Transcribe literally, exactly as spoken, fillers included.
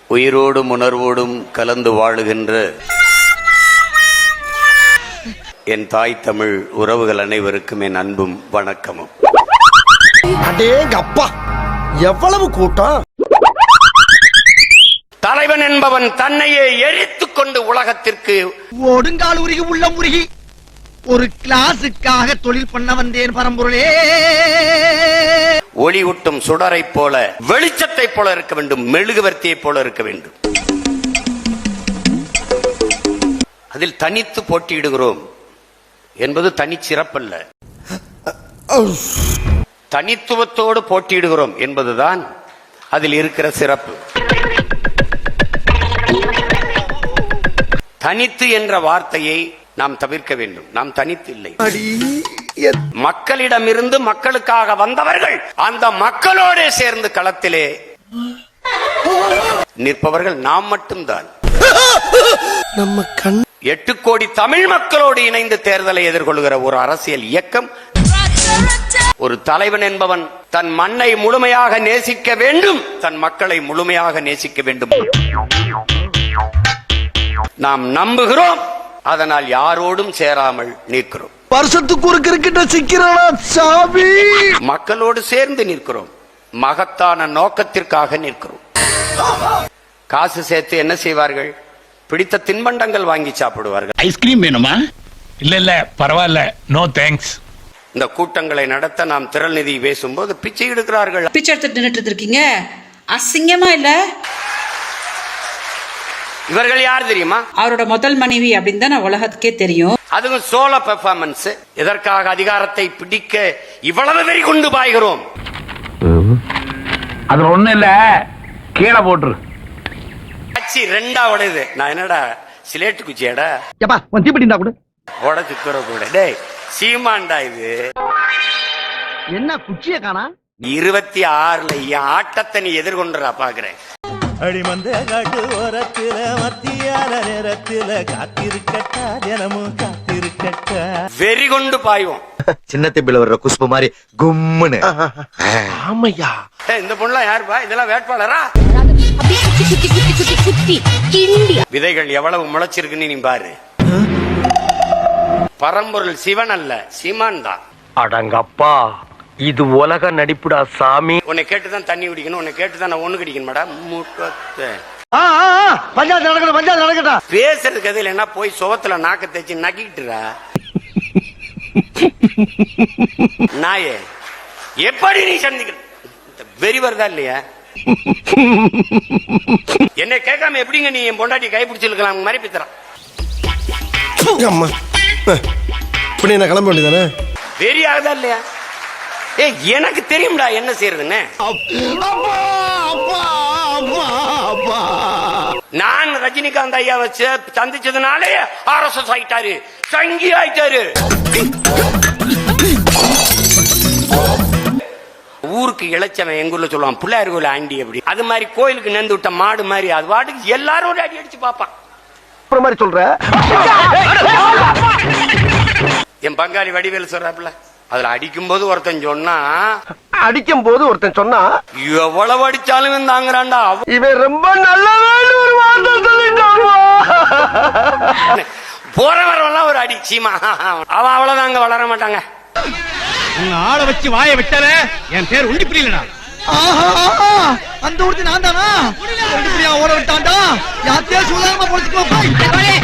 உயிரோடும் உணர்வோடும் கலந்து வாழுகின்ற என் தாய் தமிழ் உறவுகள் அனைவருக்கும் என் அன்பும் வணக்கமும். அடேங்கப்பா, எவ்வளவு கூட்டம்! தலைவன் என்பவன் தன்னையே எரித்துக் கொண்டு உலகத்திற்கு ஒடுங்கால் உருகி உள்ளம் உருகி ஒரு கிளாஸுக்காக தொழில் பண்ண வந்தேன் பரம்பொருளே. ஒளி ஊட்டும் சுடரை போல, வெளிச்சத்தை போல இருக்க வேண்டும், மெழுகுவர்த்தியை போல இருக்க வேண்டும். அதில் தனித்து போட்டியிடுகிறோம் என்பது தனி சிறப்பல்ல, தனித்துவத்தோடு போட்டியிடுகிறோம் என்பதுதான் அதில் இருக்கிற சிறப்பு. தனித்து என்ற வார்த்தையை நாம் தவிர்க்க வேண்டும். நாம் தனித்து இல்லை, மக்களிடமிருந்து மக்களுக்காக வந்தவர்கள். அந்த மக்களோடு சேர்ந்து களத்திலே நிற்பவர்கள் நாம் மட்டும்தான். நம்ம கண் எட்டு கோடி தமிழ் மக்களோடு இணைந்து தேர்தலை எதிர்கொள்கிற ஒரு அரசியல் இயக்கம். ஒரு தலைவன் என்பவன் தன் மண்ணை முழுமையாக நேசிக்க வேண்டும், தன் மக்களை முழுமையாக நேசிக்க வேண்டும். நாம் நம்புகிறோம், அதனால் யாரோடும் சேராமல் நிற்கிறோம். வருஷத்துக்கு ஒரு கிரிக்கெட்ட சிக்கிறானா சாமி. மக்களோடு சேர்ந்து நிற்கிறோம், மகத்தான நோக்கத்திற்காக நிற்கிறோம். காசு சேர்த்து என்ன செய்வார்கள்? பிடித்த தின்பண்டங்கள் வாங்கி சாப்பிடுவார்கள். ஐஸ்கிரீம் வேணுமா? இல்ல இல்ல பரவாயில்ல, நோ தேங்க்ஸ். இந்த கூட்டங்களை நடத்த நாம் திரள் நிதி பேசும்போது பிச்சை எடுக்கிறார்கள். பிச்சை எடுத்துட்டு நின்னுட்டு இருக்கீங்க, அசிங்கமா இல்ல? இவர்கள் யார் தெரியுமா? அவரோட முதல் மனைவி அப்படின்னு தான் உலகத்துக்கே தெரியும். அதுவும் சோலோ பெர்ஃபார்மன்ஸ். எதற்காக அதிகாரத்தை பிடிக்க இவ்வளவு வெறி கொண்டு பாய்கிறோம்? அது ஒண்ணு இல்ல, கீழே போட்டுரு. கட்சி ரெண்டா உடையுது. நான் என்னடா சிலேட்டு குச்சியாடா உடச்சு கூற கூட. டேய் சீமாண்டா, இது என்ன குச்சிய காணா? இருபத்தி ஆறுல என் ஆட்டத்தை நீ எதிர்கொண்டுறா பாக்குறேன். அடிமந்த காட்டு ஓரத்தில மத்தியான நேரத்தில காத்திருக்கட்டா, தினமும் காத்திருக்கட்டா. வெறி கொண்டு பாய்வோம். சின்ன திம்பில வர்ற குஷ்பு மாதிரி கும்முன்னு. ஆமையா, இந்த பொண்ணுலாம் யாருப்பா? இதெல்லாம் வேட்பாளரா? விதைகள் எவ்வளவு முளைச்சிருக்குன்னு நீ பாரு. பரம்பொருள் சிவன் அல்ல, சீமான் தான். அடங்கப்பா, இது உலக நடிப்புடா சாமி. உன்னை கேட்டுதான் தண்ணி குடிக்கணும், உன்னை கேட்டுதான் நான் ஒண்ணு குடிக்கணும் மேடம். பஞ்சாயத்து நடக்கணும், பஞ்சாயத்து நடக்கட்டும். பேசுறதுக்கு எதில் என்ன போய் சுவத்துல நாக்க தேய்ச்சி நக்கிட்டுறா நாயே. எப்படி நீ சந்திக்கிற வெறி வருதா இல்லையா? என்ன கேட்காம எப்படிங்க நீ என் பொண்டாட்டி கைப்பிடிச்சிருக்கலாம் மாதிரி பித்தறான். இப்படி என்ன கிளம்ப வேண்டியதானே? வெறி ஆகுதா இல்லையா? ஏ எனக்கு தெரியும்டா என்ன செய்யறதுன்னு. நான் ரஜினிகாந்த் ஐயா வச்சு சந்திச்சதுனாலே ஆர் எஸ் எஸ் ஆயிட்டாரு, சங்கி ஆயிட்டாரு. ஊருக்கு இளைச்சவன் எங்க ஊர்ல சொல்லுவான் பிள்ளையார் கோயில் ஆண்டி. அப்படி அது மாதிரி கோயிலுக்கு நேர்ந்து விட்ட மாடு மாதிரி அது வாட்டுக்கு எல்லாரும் அடி அடிச்சு பாப்பான். மாதிரி சொல்ற என் பங்காளி வடிவேலு சொல்றாப்புல, அதுல அடிக்கும் போது ஒருத்தன் சொன்னா, அடிக்கும் போது ஒருத்தன் சொன்னா எவ்வளவு அடிச்சாலும் தாங்குறான்டா. இவன் ரொம்ப நல்லவன் ஒரு வார்த்தை சொல்லிட்டான். போறவரெல்லாம் ஒரு அடி சீமா, அவன் அவ்வளவுதாங்க வளர மாட்டாங்க. உங்க ஆளை வச்சு வாய விட்டால என் பேர் உண்டி புரியலடா. அந்த ஊருக்கு நான் தானா ஓட விட்டான்டா. யாத்தையா சொல்லாம போச்சுக்கோ.